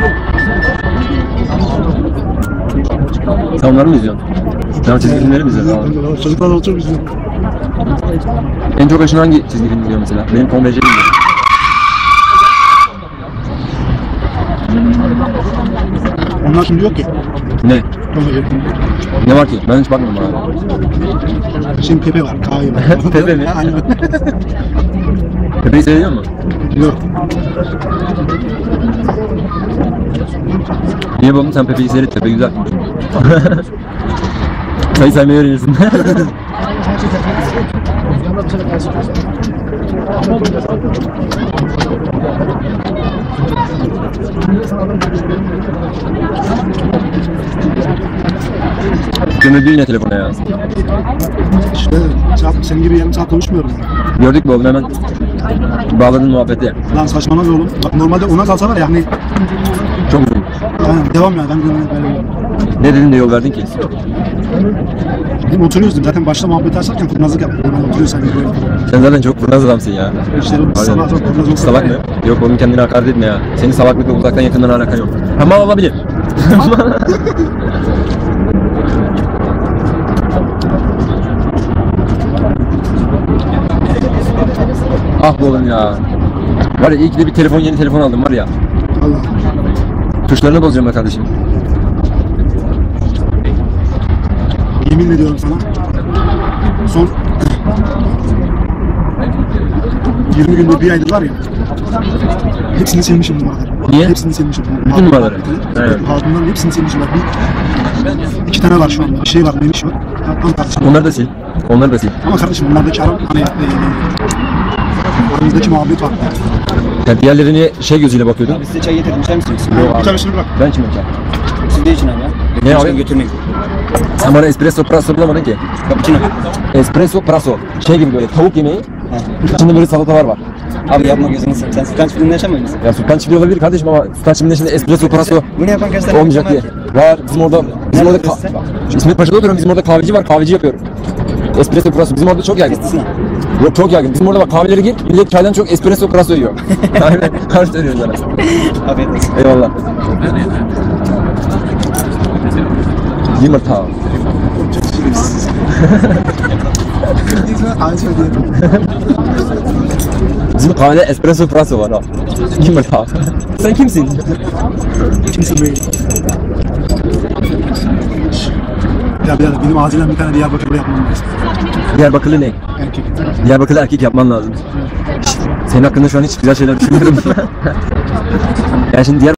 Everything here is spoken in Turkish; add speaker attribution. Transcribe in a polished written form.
Speaker 1: Sen onları mı izliyorsun? Sen çizgi filmleri mi izliyorsun abi?
Speaker 2: Çocuklar da çok izliyor.
Speaker 1: En çok hoşuna hangi çizgi film izliyor mesela? Benim Tom ve Jerry izliyor.
Speaker 2: Onlar şimdi yok ki.
Speaker 1: Ne? Ne var ki? Ben hiç bakmadım abi.
Speaker 2: Şimdi Pepe var, Kayu var.
Speaker 1: Pepe mi?
Speaker 2: Aynen.
Speaker 1: Pepe'yi seviyor musun?
Speaker 2: Yok.
Speaker 1: Niye babam sen Pepe'yi seyret, Pepe güzel. Sayı saymayı öğrenirsin. Gömüldü yine telefona ya.
Speaker 2: İşte senin gibi yarım saat konuşmuyorum.
Speaker 1: Gördük mü oğlum, hemen bağladın muhabbeti.
Speaker 2: Lan saçmalama oğlum. Bak normalde ona kalsa var ya hani
Speaker 1: Çok uzun.
Speaker 2: yani devam ya. Ben böyle
Speaker 1: Ne dedin de yol verdin ki?
Speaker 2: dedim oturuyoruz dedim. Zaten başta muhabbet açarken kurnazlık yaptık. Ben oturuyorsan böyle.
Speaker 1: Sen zaten çok kurnaz adamsın ya.
Speaker 2: İşte sabah çok kurnaz olsa.
Speaker 1: Salak mı? Yok oğlum, kendine hakaret etme ya. Senin salaklıkla uzaktan yakından alakan yok. Ha, mal olabilir. Ah be oğlum ya. Var ya, iyi ki de bir telefon, yeni telefon aldım var ya.
Speaker 2: Allah.
Speaker 1: Tuşlarını bozacağım be kardeşim.
Speaker 2: Yemin ediyorum sana. Son 20 günde bir aydır var ya. Hepsini silmişim numaraları.
Speaker 1: Niye?
Speaker 2: Hepsini silmişim.
Speaker 1: Bütün numaraları? Evet.
Speaker 2: Hatunların hepsini silmişim. Bak, iki tane var şu anda. Bir şey var, Memiş var. Tamam kardeşim.
Speaker 1: Onları da sil. Onları da sil.
Speaker 2: Ama kardeşim bunlardaki aram hani aramızdaki muhabbet var.
Speaker 1: Ya diğerlerini şey gözüyle bakıyordun.
Speaker 3: Abi size çay getirdim, çay mı içiyorsun?
Speaker 1: Yok
Speaker 2: Bir
Speaker 1: abi.
Speaker 2: tanesini bırak.
Speaker 1: Ben içmem çay.
Speaker 3: Siz de için abi ya.
Speaker 1: Ne abi?
Speaker 3: Götürmeyin.
Speaker 1: Sen bana espresso prasso bulamadın ki.
Speaker 3: Cappuccino.
Speaker 1: Espresso prasso. Şey gibi böyle tavuk yemeği. İçinde böyle salatalar var.
Speaker 3: Abi yapma gözünü seveyim. Sen Sultan Çiftliği'nde yaşamıyor musun?
Speaker 1: Ya Sultan Çiftliği olabilir kardeşim ama Sultan Çiftliği'nde şimdi espresso prasso
Speaker 3: Bunu yapan kaç tane
Speaker 1: olmayacak diye.
Speaker 3: insan
Speaker 1: Var bizim orada
Speaker 3: Nerede
Speaker 1: İsmet Paşa'da oturuyorum, bizim orada kahveci var, kahveci yapıyorum. Espresso prasso bizim orada çok yaygın.
Speaker 3: Kestisine.
Speaker 1: Yok, çok yaygın. Bizim orada bak, kahvelere gir, millet çaydan çok espresso prasso yiyor. Aynen, karşı dönüyoruz sana.
Speaker 3: Afiyet olsun.
Speaker 1: Eyvallah. Yumurta. Bizim kahvede espresso prasso var ha. Yumurta. Sen kimsin?
Speaker 2: Kimsin be? Ya birader benim acilen bir tane Diyarbakır'da yapmam lazım.
Speaker 1: Diyarbakırlı ne?
Speaker 2: Erkek.
Speaker 1: Diyarbakırlı erkek yapman lazım. Senin hakkında şu an hiç güzel şeyler düşünmüyorum. Yani şimdi